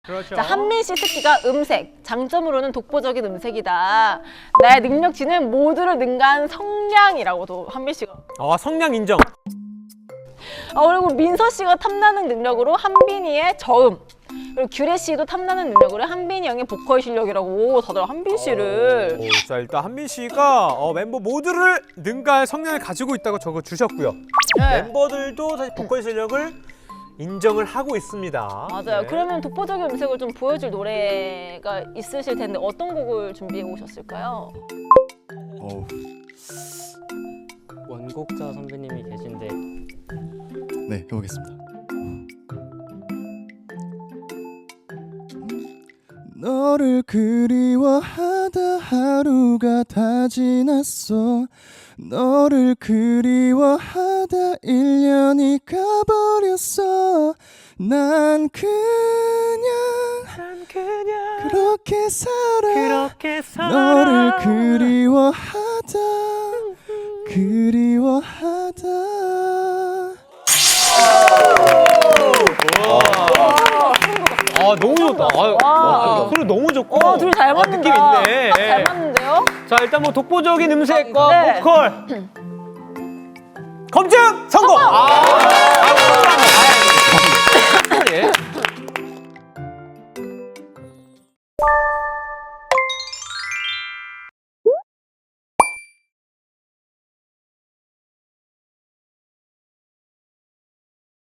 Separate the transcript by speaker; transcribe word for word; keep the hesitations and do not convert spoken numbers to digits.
Speaker 1: 그렇죠.
Speaker 2: 자, 한민 씨 특기가 음색, 장점으로는 독보적인 음색이다. 나의 능력치는 모두를 능가한 성량이라고도 한민 씨가.
Speaker 1: 아, 성량 인정.
Speaker 2: 아, 그리고 민서 씨가 탐나는 능력으로 한빈이의 저음. 그리고 규래 씨도 탐나는 능력으로 한빈이 형의 보컬 실력이라고. 다들 한빈 씨를.
Speaker 1: 오, 자, 일단 한민 씨가 어, 멤버 모두를 능가할 성량을 가지고 있다고 적어 주셨고요.
Speaker 2: 네.
Speaker 1: 멤버들도 사실 보컬 실력을 인정을 하고 있습니다.
Speaker 2: 맞아요.
Speaker 1: 네.
Speaker 2: 그러면 독보적인 음색을 좀 보여줄 노래가 있으실 텐데 어떤 곡을 준비해 오셨을까요?
Speaker 3: 어우,
Speaker 4: 원곡자 선배님이 계신데
Speaker 3: 네, 해보겠습니다. 너를 그리워하다 하루가 다 지났어. 너를 그리워하다 일 년이 가버렸어. 난 그냥,
Speaker 1: 난 그냥
Speaker 3: 그렇게 살아.
Speaker 1: 그렇게 살아.
Speaker 3: 너를 그리워하다 그리워하다.
Speaker 1: 아, 너무 좋다. 아, 아, 소리 너무 좋고.
Speaker 2: 어, 둘이 잘
Speaker 1: 아,
Speaker 2: 맞는다.
Speaker 1: 느낌 있네.
Speaker 2: 딱 잘 맞는데요?
Speaker 1: 자, 일단 뭐 독보적인 음색과
Speaker 2: 네.
Speaker 1: 보컬 검증 성공. 아, 아, 아, 예.